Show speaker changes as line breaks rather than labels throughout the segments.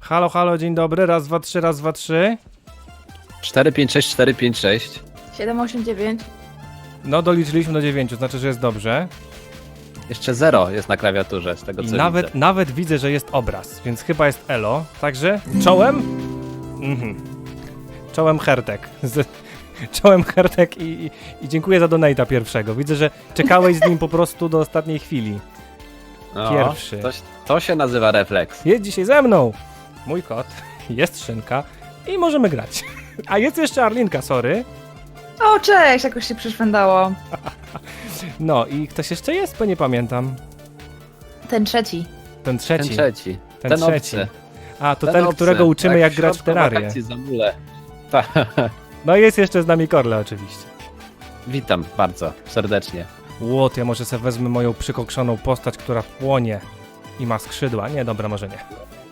Halo, halo, dzień dobry. Raz, dwa, trzy, raz, dwa, trzy.
4, 5, 6, 4, 5, 6.
7, 8, 9.
No, doliczyliśmy do 9, znaczy, że jest dobrze.
Jeszcze 0 jest na klawiaturze, z tego co
I
widzę.
nawet widzę, że jest obraz, więc chyba jest elo. Także czołem? Czołem Hertek. Czołem Hertek i dziękuję za donate'a pierwszego. Widzę, że czekałeś z nim po prostu do ostatniej chwili.
No,
Pierwszy.
To się nazywa refleks.
Jest dzisiaj ze mną mój kot, jest Szynka i możemy grać. A jest jeszcze Arlinka, sorry.
O, cześć, jakoś się przyszwędało.
No i ktoś jeszcze jest, bo nie pamiętam.
Ten trzeci.
Ten trzeci.
Ten trzeci.
Ten
ten
trzeci.
obcy.
A, to
Ten
ten,
obcy.
którego uczymy
Tak
jak
w
grać w
środku
Terrarię.
wakacji za mule.
No i jest jeszcze z nami Korle oczywiście.
Witam bardzo serdecznie.
Łot, ja może sobie wezmę moją przykokszoną postać, która płonie i ma skrzydła. Nie, dobra, może nie.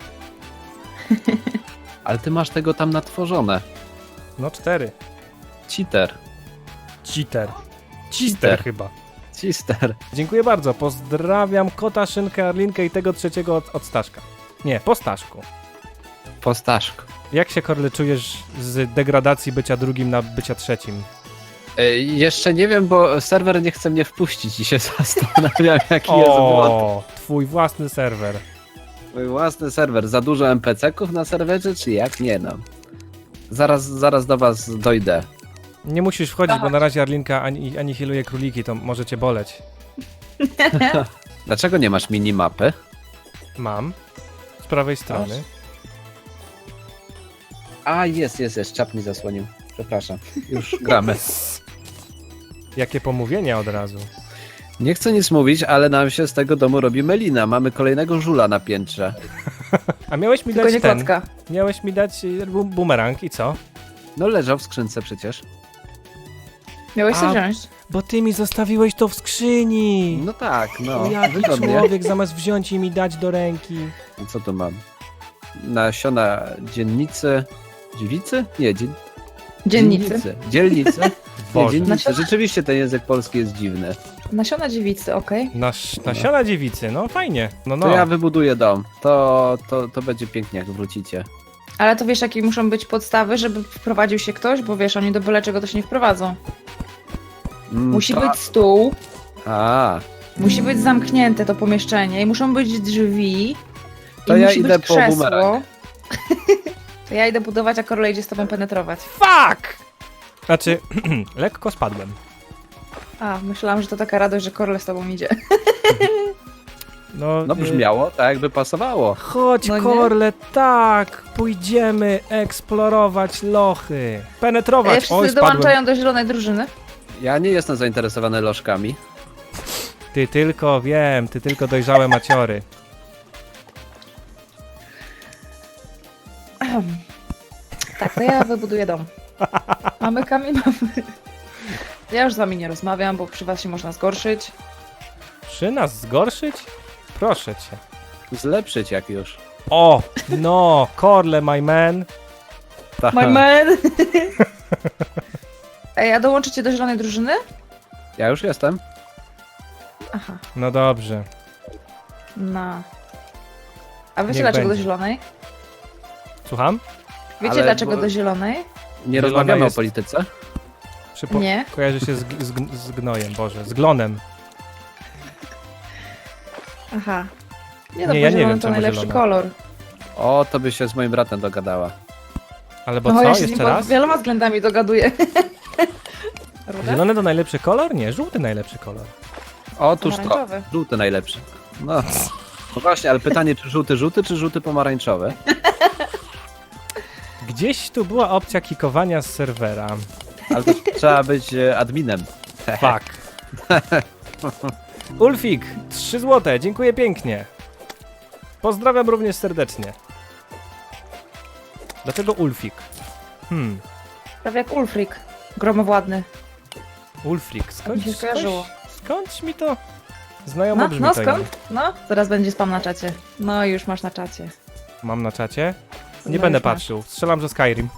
Ale ty masz tego tam natworzone.
No 4.
Cheater.
Cheater. Cheater chyba.
Cheater.
Dziękuję bardzo. Pozdrawiam kota, Szynkę, Arlinkę i tego trzeciego od Staszka. Nie, po Staszku.
Po Staszku.
Jak się, Korle, czujesz z degradacji bycia drugim na bycia trzecim?
Jeszcze nie wiem, bo serwer nie chce mnie wpuścić i się zastanawiam, jaki jest błąd.
O, twój własny serwer.
Mój własny serwer. Za dużo NPC-ków na serwerze, czy jak? Nie no. Zaraz do was dojdę.
Nie musisz wchodzić, bo na razie Arlinka anihiluje króliki, to może cię boleć.
Dlaczego nie masz minimapy?
Mam. Z prawej strony.
A, jest. Czap mi zasłonił. Przepraszam. Już gramy.
Jakie pomówienia od razu.
Nie chcę nic mówić, ale nam się z tego domu robi melina. Mamy kolejnego żula na piętrze.
A miałeś mi
Tylko
dać
nie
ten.
kocka.
Miałeś mi dać bumerang i co?
No leżał w skrzynce przecież.
Miałeś
A,
to wziąć.
Bo ty mi zostawiłeś to w skrzyni.
No tak, no.
Jaki
Wygodnie.
człowiek zamiast wziąć i mi dać do ręki.
Co tu mam? Nasiona dziennicy. Dziewicy? Nie,
Dziennicy.
Dzielnicy. Nie,
Boże.
dziennicy. Rzeczywiście ten język polski jest dziwny.
Nasiona dziewicy, okej.
Nasiona dziewicy, no fajnie. No.
To ja wybuduję dom. To będzie pięknie, jak wrócicie.
Ale to wiesz, jakie muszą być podstawy, żeby wprowadził się ktoś? Bo wiesz, oni do byle czego to się nie wprowadzą. Musi
to-
być stół,
A,
musi być zamknięte to pomieszczenie i muszą być drzwi.
To
i
ja
musi
idę
być
po
krzesło.
bumerang.
To ja idę budować, a Korle idzie z tobą penetrować.
Fuck! Znaczy, lekko spadłem.
A, myślałam, że to taka radość, że Korle z tobą idzie.
No,
no brzmiało tak, jakby pasowało.
Chodź,
No nie?
Korle, tak! Pójdziemy eksplorować lochy. Penetrować.
Wszyscy
Oj, spadłem.
dołączają do zielonej drużyny.
Ja nie jestem zainteresowany lożkami.
Ty tylko dojrzałe maciory.
Tak, to ja wybuduję dom. Mamy kamień, mamy... Ja już z wami nie rozmawiam, bo przy was się można zgorszyć.
Czy nas zgorszyć? Proszę cię.
Zlepszyć jak już.
O, no, Korle, my man.
Ta.
My man! Ej, a dołączycie do zielonej drużyny?
Ja już jestem.
Aha,
No dobrze.
no. A wiecie
Niech
dlaczego
będzie.
do zielonej?
Słucham?
Wiecie
Ale
dlaczego
bo-
do zielonej?
Nie
Zielona
rozmawiamy
jest.
o polityce.
Nie.
Kojarzy się z gnojem, Boże, z glonem.
Aha. Nie no,
Nie,
bo
ja nie
zielony
wiem,
to
czemu
najlepszy
zielona.
kolor.
O, to by się z moim bratem dogadała.
Ale bo
No,
co?
ja się z nim
Jeszcze
pod
raz?
wieloma względami dogaduję. Ruda?
Zielony to najlepszy kolor? Nie, żółty najlepszy kolor.
Otóż to.
Pomarańczowy.
Żółty najlepszy. No. No właśnie, ale pytanie, czy żółty, czy żółty pomarańczowy?
Gdzieś tu była opcja kikowania z serwera.
Ale to trzeba być adminem.
Fuck. Ulfik, 3 złote, dziękuję pięknie. Pozdrawiam również serdecznie. Dlaczego Ulfik?
Prawie jak Ulfrik. Gromowładny.
Ulfrik,
Mi się skojarzyło.
skądś mi to znajomo
No,
brzmi
no
to
skąd? No, zaraz będzie spam na czacie. No i już masz na czacie.
imię. Mam na czacie?
No
Nie będę
już masz.
patrzył. Strzelam, że Skyrim.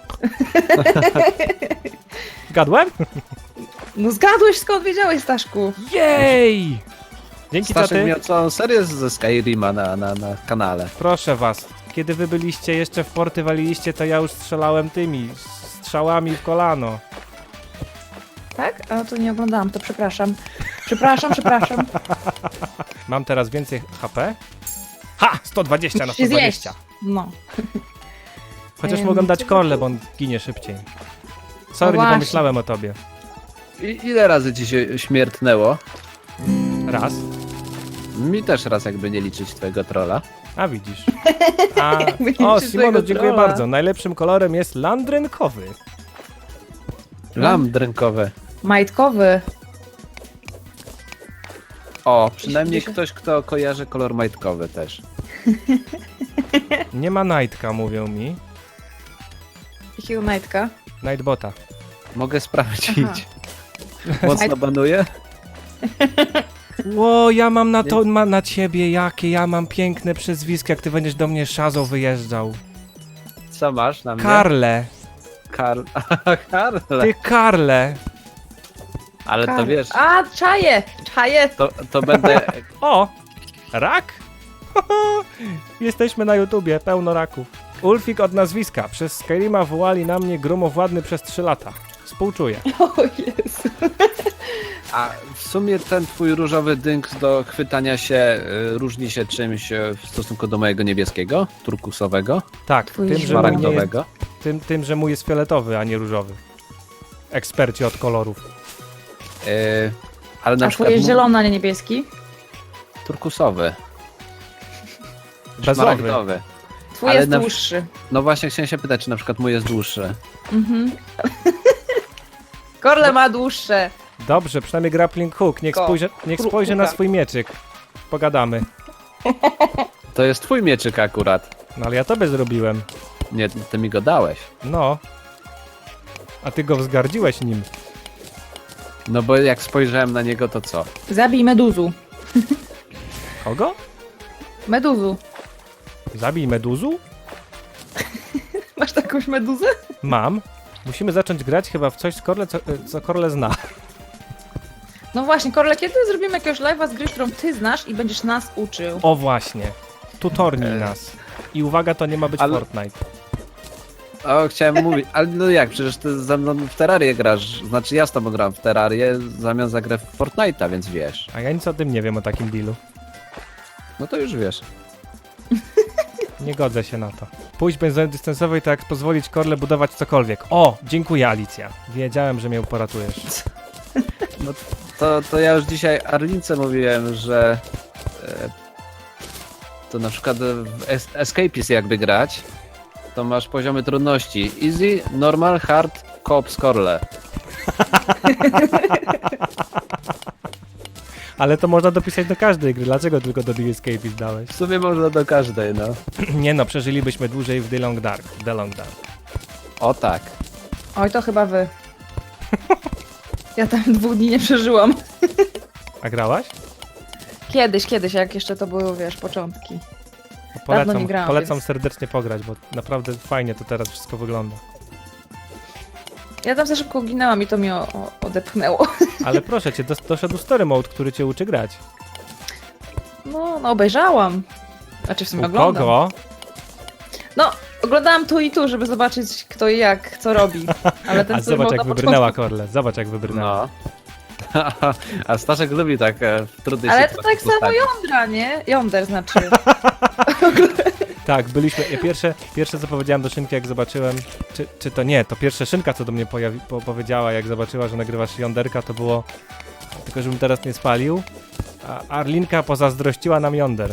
Gadłem?
No zgadłeś, skąd wiedziałeś, Staszku?
Jej! Dzięki
Staszek
taty.
miał całą serię ze Skyrima na kanale.
Proszę was. Kiedy wy byliście jeszcze w porty waliliście, to ja już strzelałem tymi strzałami w kolano.
Tak? A to nie oglądałam, to przepraszam. Przepraszam.
Mam teraz więcej HP? Ha! 120 na
Musisz się zjeść.
120.
No.
Chociaż mogę dać Korle, bo on ginie szybciej. Sorry, nie
właśnie.
pomyślałem o tobie.
Ile razy ci się śmiertnęło?
Raz.
Mi też raz, jakby nie liczyć twojego trolla.
A widzisz. A,
Jakby nie
o,
liczyć
Simono,
tego
dziękuję
trolla.
bardzo. Najlepszym kolorem jest landrynkowy.
Lamp drękowe.
Majtkowy.
O, przynajmniej
Gdzie się-
ktoś, kto kojarzy kolor majtkowy też.
Nie ma Nightka, mówią mi.
Jakiego majtka?
Nightbota.
Mogę sprawdzić.
Aha.
Mocno banuje?
Ło, ja mam na to, na ciebie, jakie ja mam piękne przezwisko, jak ty będziesz do mnie szazą wyjeżdżał.
Co masz na mnie?
Karle,
Karle.
ty Karle.
Ale to wiesz,
A, czaję!
to będę...
O, rak? Jesteśmy na YouTubie, pełno raków. Ulfik od nazwiska. Przez Skyrima wołali na mnie gromowładny przez 3 lata. Współczuję.
O Jezu.
A w sumie ten twój różowy dynk do chwytania się różni się czymś w stosunku do mojego niebieskiego, turkusowego,
Tak,
Twój
tym że, mój nie jest,
szmaragdowego.
tym, że mój jest fioletowy, a nie różowy. Eksperci od kolorów.
Ale na
A
przykład
twój jest zielony, a nie niebieski?
turkusowy,
Bezowy.
szmaragdowy.
Twój
Ale
jest
na-
dłuższy.
No właśnie chciałem się pytać, czy na przykład mój jest dłuższy.
Mhm. Korle ma dłuższe.
Dobrze, przynajmniej grappling hook. Niech spojrzy na
Huka.
swój mieczyk. Pogadamy.
To jest twój mieczyk akurat.
No ale ja tobie zrobiłem.
Nie, ty mi go dałeś.
No. A ty go wzgardziłeś nim.
No bo jak spojrzałem na niego, to co?
Zabij meduzu.
Kogo?
Meduzu.
Zabij meduzu?
Masz takąś meduzę?
Mam. Musimy zacząć grać chyba w coś z Korle, co Korle zna.
No właśnie, Korle, kiedy zrobimy jakiegoś live'a z gry, którą ty znasz i będziesz nas uczył?
O właśnie. Tutornij nas. I uwaga, to nie ma być
Ale-
Fortnite.
O, chciałem mówić, ale no jak, przecież ty ze mną w Terrarię grasz, znaczy ja z tobą gram w Terrarię zamiast za grę w Fortnite'a, więc wiesz.
A ja nic o tym nie wiem, o takim dealu.
No to już wiesz.
Nie godzę się na to. Pójść benzony dystansowej to jak pozwolić Korle budować cokolwiek. O, dziękuję Alicja. Wiedziałem, że mnie poratujesz.
To ja już dzisiaj Arlince mówiłem, że to na przykład w Escapist jakby grać, to masz poziomy trudności easy, normal, hard, co-op, scorele.
Ale to można dopisać do każdej gry. Dlaczego tylko do The Escape dałeś?
W sumie można do każdej, no.
Nie no, przeżylibyśmy dłużej w The Long Dark. The Long Dark.
O tak.
Oj, to chyba wy. Ja tam 2 dni nie przeżyłam.
A grałaś?
Kiedyś, jak jeszcze to były, wiesz, początki.
Polecam,
nie grałam,
polecam
więc-
serdecznie pograć, bo naprawdę fajnie to teraz wszystko wygląda.
Ja tam za szybko ginęłam i to mnie odepchnęło.
Ale proszę cię, doszedł story mode, który cię uczy grać.
No, obejrzałam. Znaczy w sumie
U
oglądam.
kogo?
No, oglądałam tu i tu, żeby zobaczyć kto i jak, co robi. Ale ten
A
story
zobacz
mode
jak
na
wybrnęła
początku-
Korle, zobacz jak wybrnęła.
No. A Staszek lubi tak w trudnej
Ale to
sytuacji
tak samo
postawić.
jądra, nie? Jąder znaczy.
Tak, byliśmy. Ja pierwsze co powiedziałem do Szynki, jak zobaczyłem. Czy to nie, to pierwsze Szynka, co do mnie powiedziała, jak zobaczyła, że nagrywasz jąderka, to było. Tylko żebym teraz nie spalił. A Arlinka pozazdrościła nam jąder.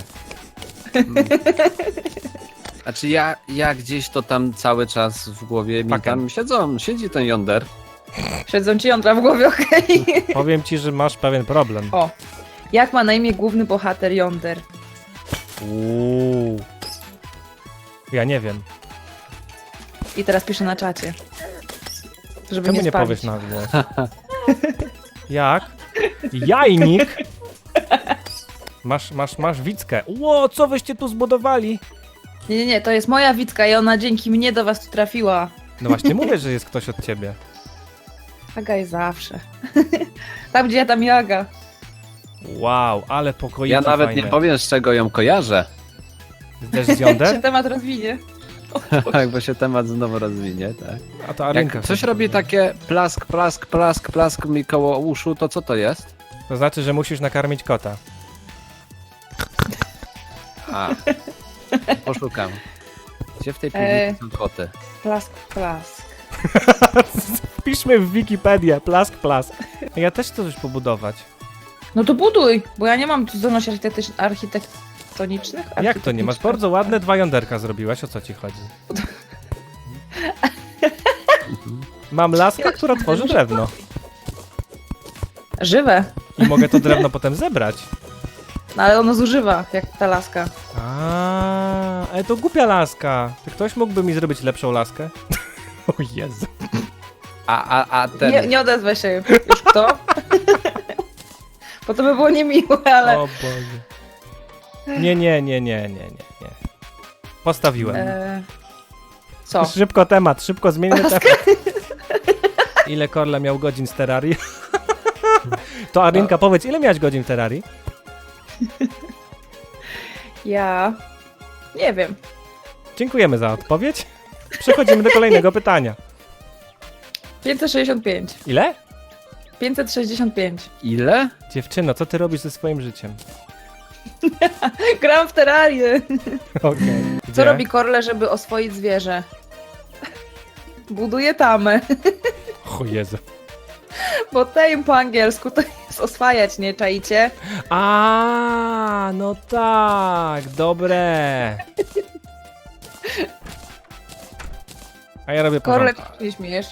Znaczy ja gdzieś to tam cały czas w głowie mi
Fakem.
tam siedzi ten yonder.
Siedzą ci jądra w głowie, okej.
Powiem ci, że masz pewien problem.
O. Jak ma na imię główny bohater Yonder?
Uuu. Ja nie wiem.
I teraz piszę na czacie. Żeby
Czemu
nie
nie
spalić.
powiesz na głos? Jak? Jajnik? Masz Wickę. Ło, co wyście tu zbudowali?
Nie, to jest moja Wicka i ona dzięki mnie do was tu trafiła.
No właśnie mówię, że jest ktoś od ciebie.
Aga jest zawsze. Tam gdzie ja, tam Jaga.
Wow, ale pokoiki
Ja nawet
fajne.
nie powiem, z czego ją kojarzę.
Też z
Jak się
Yonder?
temat rozwinie.
Tak, bo się temat znowu rozwinie, tak.
A to Arlinka.
Jak coś
sobie
robi
powiedziała.
takie plask, plask, plask, plask mi koło uszu, to co to jest?
To znaczy, że musisz nakarmić kota.
A, poszukam. Gdzie w tej piwnicy są koty?
Plask, plask.
Wpiszmy w Wikipedię, plask, plask. Ja też chcę coś pobudować.
No to buduj, bo ja nie mam zdolności architektonicznych.
Jak to nie? Masz bardzo ładne 2 jąderka zrobiłaś, o co ci chodzi? Mam laskę, która tworzy drewno.
Żywe.
I mogę to drewno potem zebrać.
No ale ono zużywa, jak ta laska.
Ale to głupia laska. Czy ktoś mógłby mi zrobić lepszą laskę? O Jezu.
A ten...
Nie odezwę się już kto. Bo to by było niemiłe, ale...
O Boże. Nie. Postawiłem.
Co?
Szybko temat, szybko zmieńmy temat. Ile Korle miał godzin z Terrarii? To Arlinka, powiedz, ile miałeś godzin w Terrarii?
Ja... Nie wiem.
Dziękujemy za odpowiedź. Przechodzimy do kolejnego pytania.
565.
Ile?
565.
Ile?
Dziewczyno, co ty robisz ze swoim życiem?
Gram w Terrarię.
Okej.
Co
Gdzie?
robi Korle, żeby oswoić zwierzę? Buduje tamę.
O Jezu.
Bo tame po angielsku to jest oswajać, nie czaicie?
No tak, dobre. A ja robię
Korle,
porządek.
ty nie śmiejesz.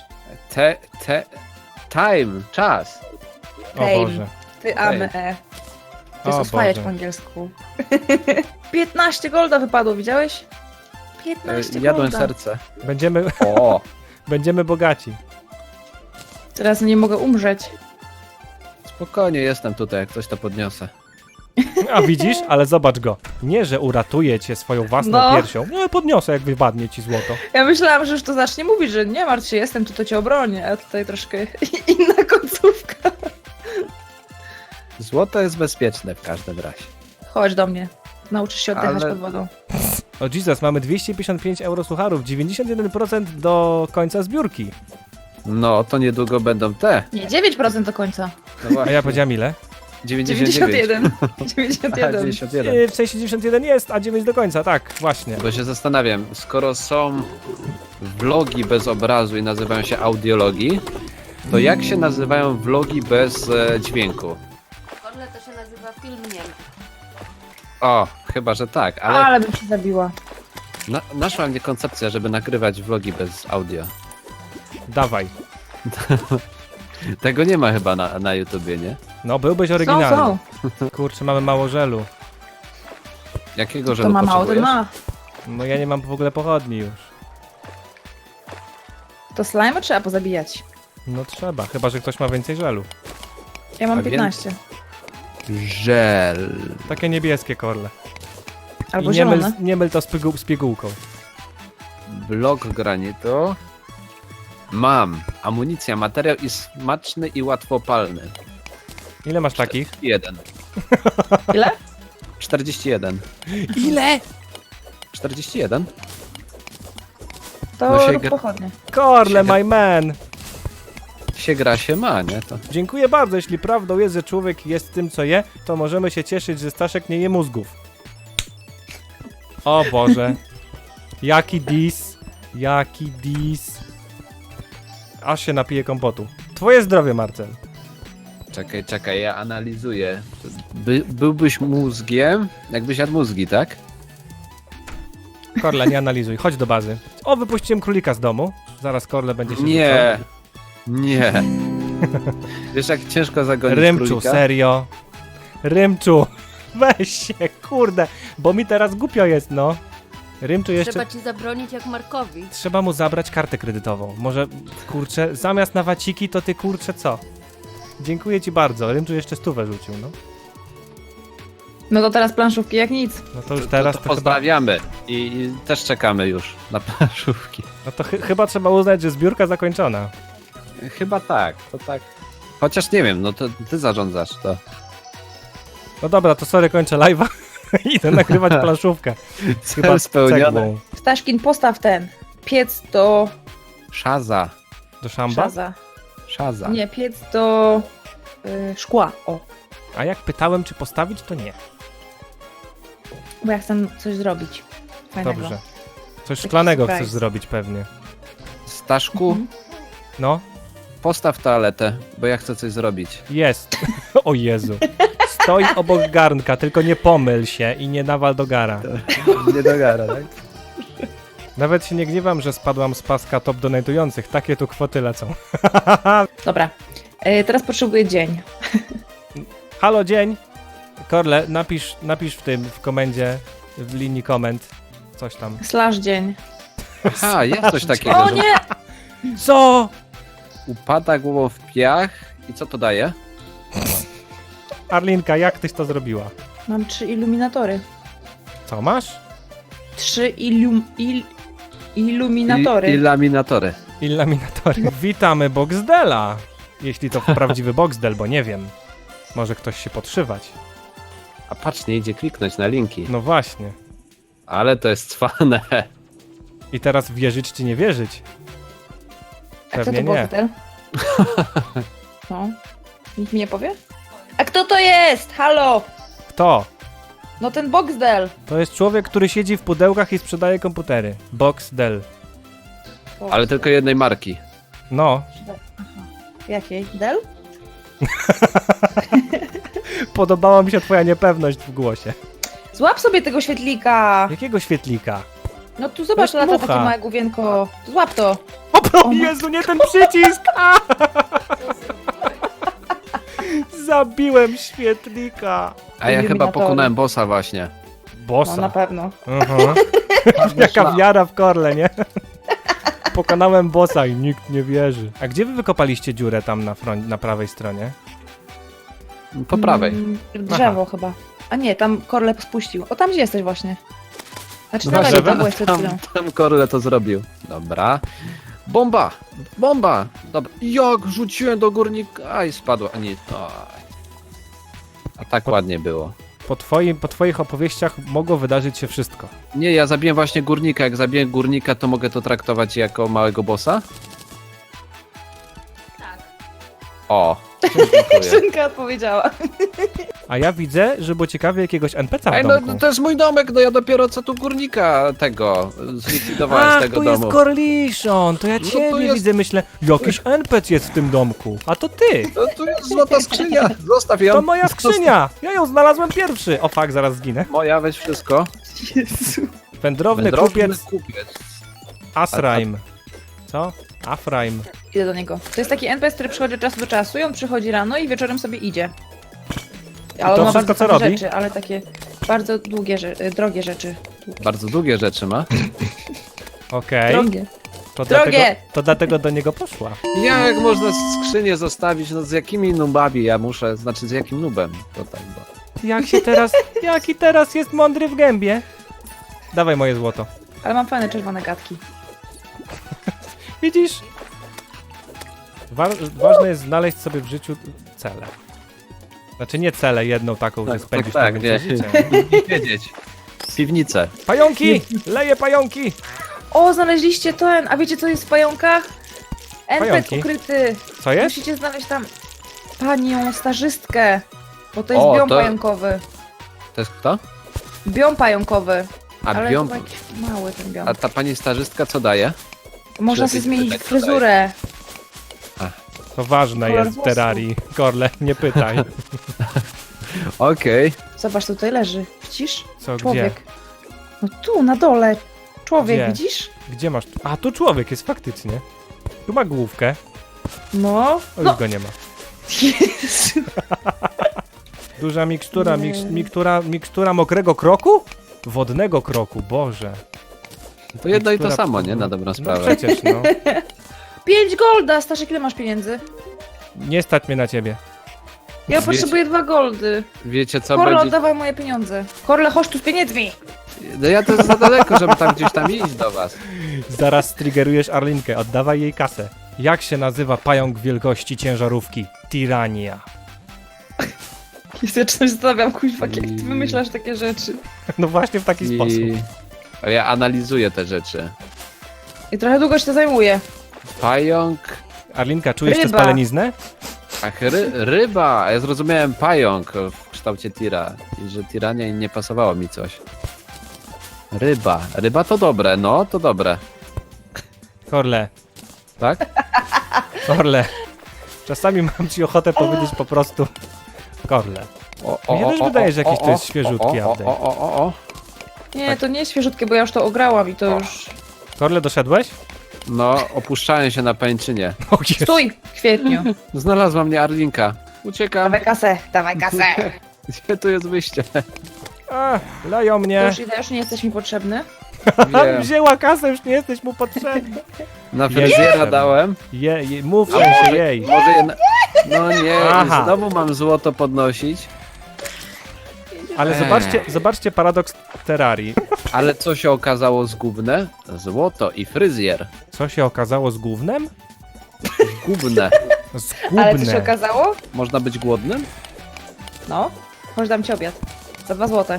Time, czas.
O
Tame.
Boże.
Ty ame. To jest
O
oswajać
Boże.
po angielsku. 15 golda wypadło, widziałeś? 15
Jadłem
golda.
serce.
Będziemy,
O,
będziemy bogaci.
Teraz nie mogę umrzeć.
spokojnie jestem tutaj, jak coś to podniosę.
A widzisz? Ale zobacz go. Nie, że uratuje cię swoją własną
No.
piersią. Nie, podniosę, jak wypadnie ci złoto.
Ja myślałam, że już to zacznie mówić, że nie martw się, jestem tu, to cię obronię, a tutaj troszkę inna końcówka.
Złoto jest bezpieczne w każdym razie.
Chodź do mnie. Nauczysz się oddychać
Ale-
pod wodą.
O Jesus, mamy 255 eurosłucharów, 91% do końca zbiórki.
No, to niedługo będą te.
Nie, 9% do końca.
No
A
właśnie,
ja powiedziałem ile?
99.
91.
Aha, 91.
W sensie 91 jest, a 9 do końca, tak, właśnie.
Bo się zastanawiam, skoro są vlogi bez obrazu i nazywają się audiologii, to jak się nazywają vlogi bez dźwięku?
Korle to się nazywa filmiem.
O, chyba, że tak, ale
Ale bym się zabiła.
naszła mnie koncepcja, żeby nagrywać vlogi bez audio.
Dawaj.
Tego nie ma chyba na YouTubie, nie?
No, byłbyś
Są,
oryginalny.
są.
Kurczę, mamy mało żelu.
Jakiego
To
żelu
ma mało, to
potrzebujesz?
ma.
No ja nie mam w ogóle pochodni już.
To slime trzeba pozabijać.
No trzeba, chyba że ktoś ma więcej żelu.
Ja mam
A
15.
Żel.
Takie niebieskie korle.
Albo
I nie myl,
zielone.
nie myl to z pigułką.
Blok granitu. Mam. Amunicja, materiał i smaczny i łatwopalny.
Ile masz takich?
1.
Ile?
41.
Ile?
41?
To
No się
rób
gra-
pochodnie.
Korle, my man!
Się gra, się ma, nie? To...
Dziękuję bardzo, jeśli prawdą jest, że człowiek jest tym, co je, to możemy się cieszyć, że Staszek nie je mózgów. O Boże. Jaki dis. Jaki dis. Aż się napiję kompotu. Twoje zdrowie, Marcel.
Czekaj, ja analizuję. Byłbyś mózgiem, jakbyś jadł mózgi, tak?
Korle, nie analizuj. Chodź do bazy. O, wypuściłem królika z domu. Zaraz Korle będzie się
Nie. Nie. Wiesz, jak ciężko zagonić
Rymczu,
królika?
serio. Rymczu. Weź się, kurde. Bo mi teraz głupio jest, no. Rymczu jeszcze...
Trzeba ci zabronić jak Markowi.
Trzeba mu zabrać kartę kredytową. Może, kurczę, zamiast na waciki, to ty, kurczę, co? Dziękuję ci bardzo. Rymczu jeszcze 100 rzucił, no.
No to teraz planszówki jak nic.
No to już teraz
to
to chyba...
pozdrawiamy i też czekamy już na planszówki.
No to chyba trzeba uznać, że zbiórka zakończona.
Chyba tak, to tak. Chociaż nie wiem, no to ty zarządzasz to.
No dobra, to sorry, kończę live'a. Idę nagrywać planszówkę.
Cel spełniony.
cegłą.
Staszkin, postaw ten piec do
Szaza.
Do szamba?
Szaza.
Nie, piec do szkła. O,
A jak pytałem, czy postawić, to nie.
bo ja chcę coś zrobić fajnego.
Dobrze. Coś szklanego
surprise.
chcesz zrobić pewnie.
Staszku,
Mhm.
No,
postaw toaletę, bo ja chcę coś zrobić.
jest. O Jezu. Stoi obok garnka, tylko nie pomyl się i nie nawal do gara.
Nie dogara, tak?
Nawet się nie gniewam, że spadłam z paska top donatujących. Takie tu kwoty lecą.
Dobra, teraz potrzebuję dzień.
Halo, dzień. Korle, napisz w komendzie, w linii komend. Coś tam.
Slash dzień.
Aha, jest coś takiego,
O
że
nie!
Co?
upada głową w piach i co to daje?
Arlinka, jak tyś to zrobiła?
Mam 3 iluminatory.
Co masz?
3 iluminatory.
I laminatory.
Illaminatory. Witamy Boxdela. Jeśli to prawdziwy Boxdel, bo nie wiem. Może ktoś się podszywać.
A patrz, nie idzie kliknąć na linki.
No właśnie.
Ale to jest cwane.
I teraz wierzyć czy nie wierzyć?
A kto
Pewnie
to
nie.
Boxdel? No. Nikt mi nie powie? A kto to jest? Halo!
Kto?
No ten Boxdel.
To jest człowiek, który siedzi w pudełkach i sprzedaje komputery. Boxdel.
Ale tylko jednej marki.
No.
Jakiej? Del?
Podobała mi się twoja niepewność w głosie.
Złap sobie tego świetlika.
Jakiego świetlika?
No tu zobacz,
To jest
lata
mucha.
takie małe główienko. Złap to.
O Jezu, nie ten przycisk! A! Zabiłem świetlika.
A ja chyba
Iluminatory.
pokonałem bossa właśnie.
No
Bossa.
na pewno.
Aha. Jaka wiara w korle, nie? Pokonałem bossa i nikt nie wierzy. A gdzie wy wykopaliście dziurę tam na prawej stronie?
Po prawej.
Drzewo chyba. A nie, tam Korle spuścił. O, tam gdzie jesteś właśnie. Znaczy
Na
na lewo,
drzewie?
tam byłeś przed chwilą.
Tam Korle to zrobił. Dobra. Bomba! Bomba! Dobra. Jak rzuciłem do górnika i spadła. A nie, to. A tak ładnie było.
Po twoich opowieściach mogło wydarzyć się wszystko.
Nie, ja zabiłem właśnie górnika. Jak zabiję górnika, to mogę to traktować jako małego bossa?
Tak.
O, dziękuję.
Szynka odpowiedziała.
A ja widzę, że było ciekawie jakiegoś NPC w
Ej,
domku.
no to jest mój domek, no ja dopiero co tu górnika tego zlikwidowałem z
Ach,
tego
tu
domu.
jest Corliszon, to ja
No
ciebie
to jest-
widzę, myślę, jakiś NPC jest w tym domku, a to ty,
No tu jest złota skrzynia, zostaw ją.
to moja skrzynia, ja ją znalazłem pierwszy. O fuck, zaraz zginę.
Moja, weź wszystko.
Jezu.
Wędrowny kupiec Asraim. Co? Afraim.
Idę do niego. To jest taki NPC, który przychodzi od czasu do czasu i on przychodzi rano i wieczorem sobie idzie. Ale
to
on ma
wszystko,
bardzo
co
fajne
robi?
rzeczy, ale takie bardzo długie, drogie rzeczy.
Bardzo długie rzeczy ma.
Okej,
Drogie.
to,
Drogie!
to dlatego do niego poszła.
Jak można skrzynię zostawić? No z jakimi nubami ja muszę, znaczy z jakim nubem? To tak, bo...
Jaki teraz jest mądry w gębie? Dawaj moje złoto.
Ale mam fajne czerwone gadki.
Widzisz? Ważne jest znaleźć sobie w życiu cele. Znaczy nie cele, jedną taką, że spędzisz tam
nie.
więcej życia.
Nie wiedzieć. Piwnicę.
Pająki! Leję pająki!
O, znaleźliście ten! A wiecie co jest w pająkach? NPC
Pająki?
ukryty.
Co jest?
Musicie znaleźć tam panią stażystkę. Bo to jest
O,
biom
to-
pająkowy.
To jest kto?
Biom pająkowy.
A
Ale
biom...
chyba jakiś mały ten biom.
A ta pani stażystka co daje?
Można
lepiej
sobie zmienić
spytać, co
fryzurę.
To ważne
Kolor
jest w
włosów.
Terrarii. Korle, nie pytaj.
Okej.
Zobacz, tutaj leży. Widzisz?
Co, gdzie?
Człowiek. No tu, na dole. Człowiek,
Gdzie?
widzisz?
Gdzie masz? A, tu człowiek jest faktycznie. Tu ma główkę.
No.
O, już
No.
go nie ma.
Jezu.
Duża mikstura,
Nie.
mikstura mokrego kroku? Wodnego kroku, Boże.
To jedno i to
Mikstura-
samo, nie? Na dobrą
No
sprawę.
przecież, no.
5 golda! Staszek, ile masz pieniędzy?
Nie stać mnie na ciebie.
Ja
Wiecie-
potrzebuję 2 goldy.
Wiecie co
Korle,
będzie...
oddawaj moje pieniądze. Korle, chodź tu z pieniędzmi!
No ja to jest za daleko, żeby tam gdzieś tam iść do was.
Zaraz striggerujesz Arlinkę, oddawaj jej kasę. Jak się nazywa pająk wielkości ciężarówki? Tirania.
Ja się zastanawiam, kuźwa, jak ty
I-
wymyślasz takie rzeczy.
No właśnie w taki sposób.
A ja analizuję te rzeczy.
I trochę długo się to zajmuje.
Pająk.
Arlinka, czujesz tę
Ryba.
spaleniznę?
Ach, ryba. A ja zrozumiałem pająk w kształcie tira. I że tirania nie pasowało mi coś. Ryba. Ryba to dobre, no to dobre.
Korle,
Tak?
Korle. Czasami mam ci ochotę powiedzieć po prostu Korle. Mnie też wydaje, że jakiś to jest świeżutki update.
o.
Nie, to nie jest świeżutkie, bo ja już to ograłam i to już...
Korle, doszedłeś?
No, opuszczają się na pęczynie.
O Jezu.
Stój! W kwietniu.
Znalazła mnie Arlinka. Uciekam.
Dawaj kasę, dawaj kasę.
Gdzie tu jest wyjście?
A, leją
To
mnie.
już idę, już nie jesteś mi potrzebny.
Wiem.
Wzięła kasę, już nie jesteś mu potrzebny.
Na fryzjera
Jestem.
dałem.
Mów w
A
sensie
może-
jej.
Może je... No nie,
Aha.
znowu mam złoto podnosić.
Ale zobaczcie paradoks Terrarii.
Ale co się okazało zgubne? Złoto i fryzjer.
Co się okazało z gównem?
Zgubne.
Ale co się
Zgubne.
okazało?
Można być głodnym?
No, może dam ci obiad. Za 2 złote.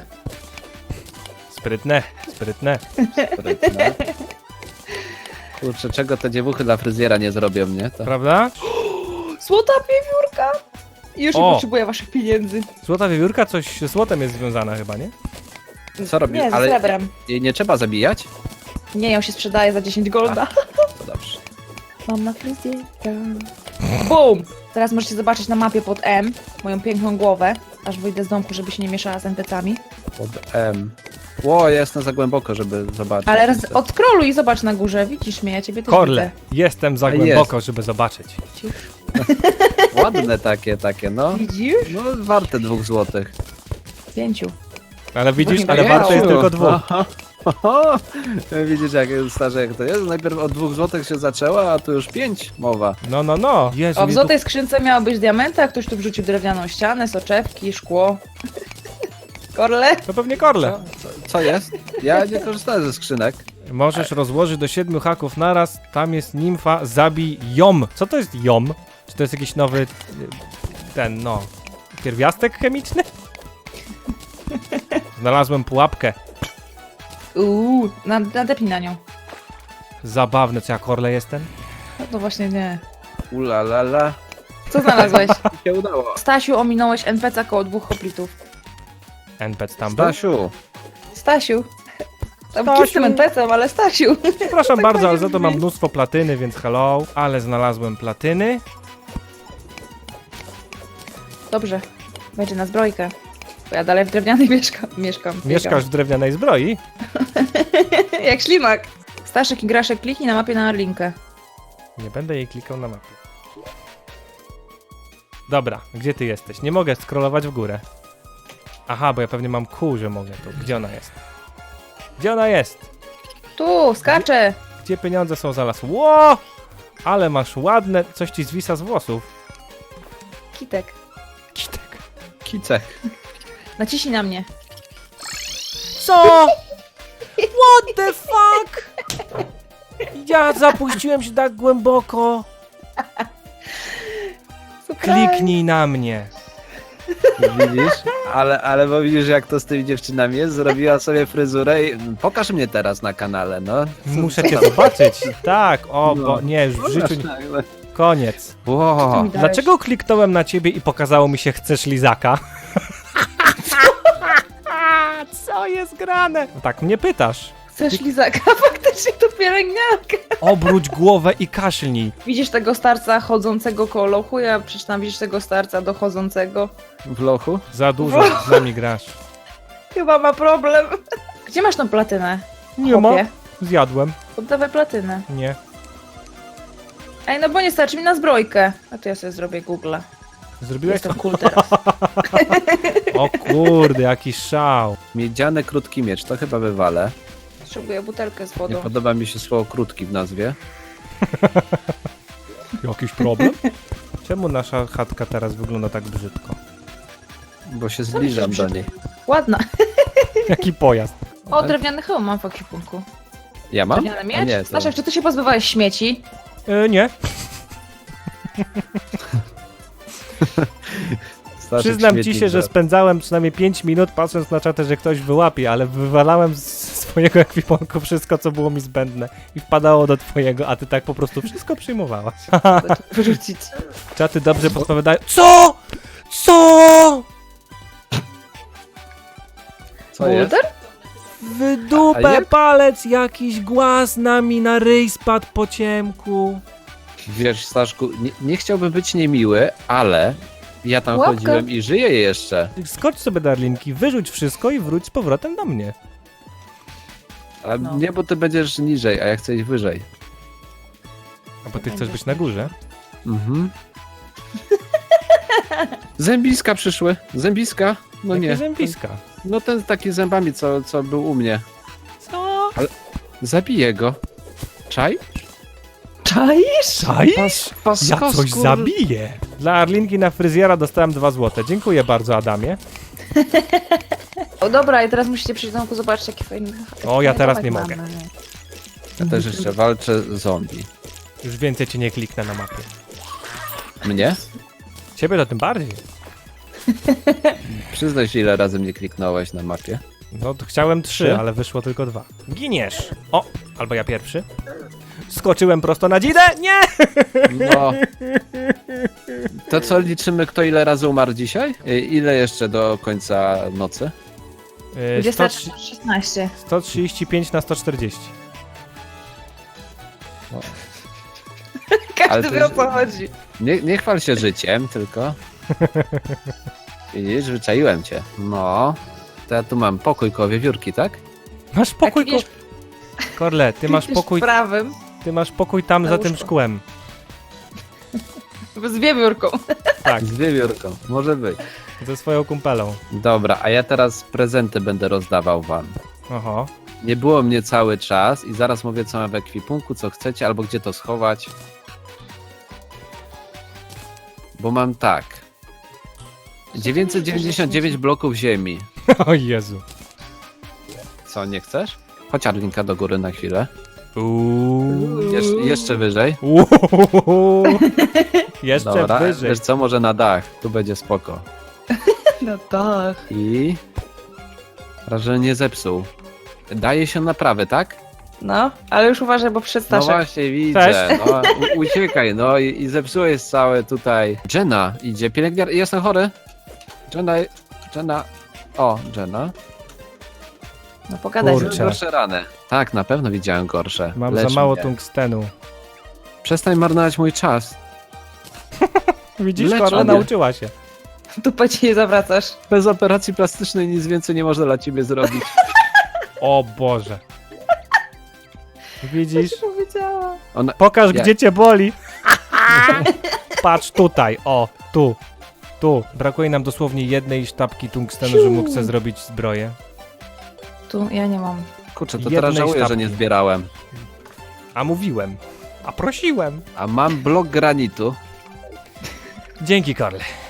Sprytne, sprytne.
Sprytne. Kurczę, czego te dziewuchy dla fryzjera nie zrobią, nie? To...
Prawda?
Złota wiewiórka! I już nie
O.
potrzebuję waszych pieniędzy.
Złota wiewiórka coś ze złotem jest związana chyba, nie?
Co robi?
Nie, ze
Ale
srebrem.
jej nie trzeba zabijać?
Nie, ją się sprzedaje za 10 golda.
To dobrze.
Mam na fryzjerka. BUM! Teraz możecie zobaczyć na mapie pod M moją piękną głowę, aż wyjdę z domku, żeby się nie mieszała z NPC-ami.
Pod M. Ło, ja jestem za głęboko, żeby zobaczyć.
Ale raz odkroluj i zobacz na górze, widzisz mnie, ja ciebie też
Korle, jestem za
A
głęboko, żeby zobaczyć.
widzę.
Ładne takie, no.
Widzisz?
No, warte 2 złotych.
5.
Ale widzisz,
Właśnie
ale
tak
warte jest
miało.
tylko 2.
Oho. Widzisz, jak starze jak to jest? Najpierw od 2 złotych się zaczęła, a tu już 5 mowa.
No. Jezu,
O, w
mnie
złotej skrzynce miało być diamenty, a ktoś tu wrzucił drewnianą ścianę, soczewki, szkło. Korle?
To pewnie Korle.
Co jest? Ja nie korzystałem ze skrzynek.
Możesz rozłożyć do 7 haków naraz, tam jest nimfa, zabij ją. Co to jest ją? Czy to jest jakiś nowy, pierwiastek chemiczny? Znalazłem pułapkę.
Nadepnij na nią.
Zabawne, co ja Korle jestem?
No to właśnie nie.
Ulalala.
Co znalazłeś?
Mi się udało.
Stasiu, ominąłeś NPC koło 2 hoplitów.
NPC tam był?
Stasiu.
Stasiu. Tam
Stasiu.
kit z tym NPC-em, ale Stasiu.
Przepraszam bardzo, ale
fajnie
za to mam
brzmi.
mnóstwo platyny, więc hello. Ale znalazłem platyny.
Dobrze. Będzie na zbrojkę. Bo ja dalej w drewnianej mieszkam. biegam.
Mieszkasz w drewnianej zbroi?
Jak ślimak. Staszek i Graszek kliknij na mapie na Arlinkę.
Nie będę jej klikał na mapie. Dobra, gdzie ty jesteś? Nie mogę scrollować w górę. Aha, bo ja pewnie mam kół, że mogę tu. Gdzie ona jest? Gdzie ona jest?
Tu, skacze.
Gdzie pieniądze są zaraz? Ło! Ale masz ładne... Coś ci zwisa z włosów.
Kitek.
Kitek.
Kicek.
Naciśnij na mnie.
Co? What the fuck? Ja zapuściłem się tak głęboko. Kliknij na mnie.
Widzisz? Ale bo widzisz, jak to z tymi dziewczynami jest? Zrobiła sobie fryzurę i... Pokaż mnie teraz na kanale, no.
Muszę cię zobaczyć. Tak, o,
No.
bo nie, już w życiu nie.
Pokaż,
Koniec.
Wow.
mi dałeś?
Dlaczego kliknąłem na ciebie i pokazało mi się chcesz lizaka? Co jest grane? Tak mnie pytasz.
Chcesz lizaka? Faktycznie to pielęgniarka.
Obróć głowę i kaszlnij.
Widzisz tego starca chodzącego koło lochu? Ja przeczytam, widzisz tego starca dochodzącego.
W lochu?
Za dużo z nami grasz.
Chyba ma problem. Gdzie masz tą platynę?
Nie ma.
Chłopie?
Zjadłem.
Oddawaj platynę.
Nie.
Ej, no bo nie starczy mi na zbrojkę. A to ja sobie zrobię Google'a.
Zrobiłeś to?
Jestem cool teraz.
O kurde, jaki szał.
Miedziany krótki miecz, to chyba wywalę.
Potrzebuję butelkę z
Nie
wodą.
podoba mi się słowo krótki w nazwie.
Jakiś problem? Czemu nasza chatka teraz wygląda tak brzydko?
Bo się zbliżam do niej.
Ładna.
Jaki pojazd.
O, drewniany hełm mam w ekwipunku.
Ja mam?
Drewniany
A
miecz?
nie, to...
Staszek, czy ty się pozbywałeś śmieci?
Nie. Przyznam ci
śmietnik
się, że
zaraz.
spędzałem przynajmniej 5 minut patrząc na czatę, że ktoś wyłapie, ale wywalałem z swojego ekwipunku wszystko, co było mi zbędne i wpadało do twojego, a ty tak po prostu wszystko przyjmowałaś.
Wyrzucić.
Czaty dobrze podpowiadają. Co? Co?
Co jest?
Boulder?
W
A
dupę
jak?
palec, jakiś głaz na mi na ryj spadł po ciemku.
Wiesz, Staszku, nie chciałbym być niemiły, ale ja tam
Łapka.
chodziłem i żyję jeszcze.
Skocz sobie, Darlinki, wyrzuć wszystko i wróć z powrotem do mnie.
A
No.
nie, bo ty będziesz niżej, a ja chcę iść wyżej.
A bo ty chcesz być na górze?
Mhm. Zębiska przyszły. Zębiska? No
Jakie
nie.
zębiska.
No ten taki z zębami, co był u mnie.
Co?
Zabiję go. Czaj?
Czaisz?
Czaisz? Ja coś zabiję. Dla Arlinki na fryzjera dostałem 2 złote. Dziękuję bardzo, Adamie.
O dobra, i teraz musicie przyjść do domku zobaczyć, jaki fajny...
O, ja teraz nie
domek
mogę.
mamy.
Ja też jeszcze walczę z zombie.
Już więcej cię nie kliknę na mapie.
Mnie?
Ciebie to tym bardziej.
Przyznaj się, ile razy mnie kliknąłeś na mapie.
No to chciałem 3,
3?
ale wyszło tylko 2. Giniesz! O! Albo ja pierwszy. Skoczyłem prosto na dzidę! Nie!
No. To co, liczymy, kto ile razy umarł dzisiaj? Ile jeszcze do końca nocy?
20:16.
135 na 140.
Ale
Każdy
to
wie o
jest-
co chodzi.
Nie chwal się życiem, tylko. Widzisz, wyczaiłem cię. No. To ja tu mam pokój koło wiewiórki, tak?
Masz pokój,
widzisz-
Korle, ty masz pokój,
prawym,
tam
Na
za tym
łóżko.
szkłem.
z wiewiórką.
Tak,
Z wiewiórką, może być.
ze swoją kumpelą.
Dobra, a ja teraz prezenty będę rozdawał wam.
Oho.
Nie było mnie cały czas i zaraz mówię, co mam w ekwipunku, co chcecie, albo gdzie to schować. Bo mam tak. 999 bloków ziemi.
O Jezu.
Co, nie chcesz? Chodź Arlinka do góry na chwilę.
Uuu.
Jeszcze wyżej.
Uuu. Jeszcze
Dobra,
wyżej.
wiesz co, może na dach. Tu będzie spoko.
No tak.
I... Raz, że nie zepsuł. Daje się naprawy, tak?
No, ale już uważaj, bo przed
No
Staszek.
właśnie, widzę.
Cześć.
No, uciekaj, no i zepsułeś całe tutaj. Jenna idzie, pielęgniar... Jestem chory. Jenna... O, Jenna.
No pogadaj.
Kurczę.
sobie.
Gorsze rany. Tak, na pewno widziałem gorsze.
Mam
Lecz
za mało
mnie.
tungstenu.
Przestań marnować mój czas.
Widzisz,
Lecz
Korle
mnie.
nauczyła się.
Dupę ci nie zawracasz.
Bez operacji plastycznej nic więcej nie można dla ciebie zrobić.
O Boże. Widzisz?
Powiedziała.
Pokaż,
Ja-
gdzie cię boli. Patrz tutaj, o, tu. Tu. Brakuje nam dosłownie jednej sztabki tungstenu, że mógł sobie zrobić zbroję.
Tu ja nie mam.
Kurczę, to
Jednej
teraz żałuję, że
sztabki.
nie zbierałem.
A mówiłem. A prosiłem.
A mam blok granitu.
Dzięki, Korle.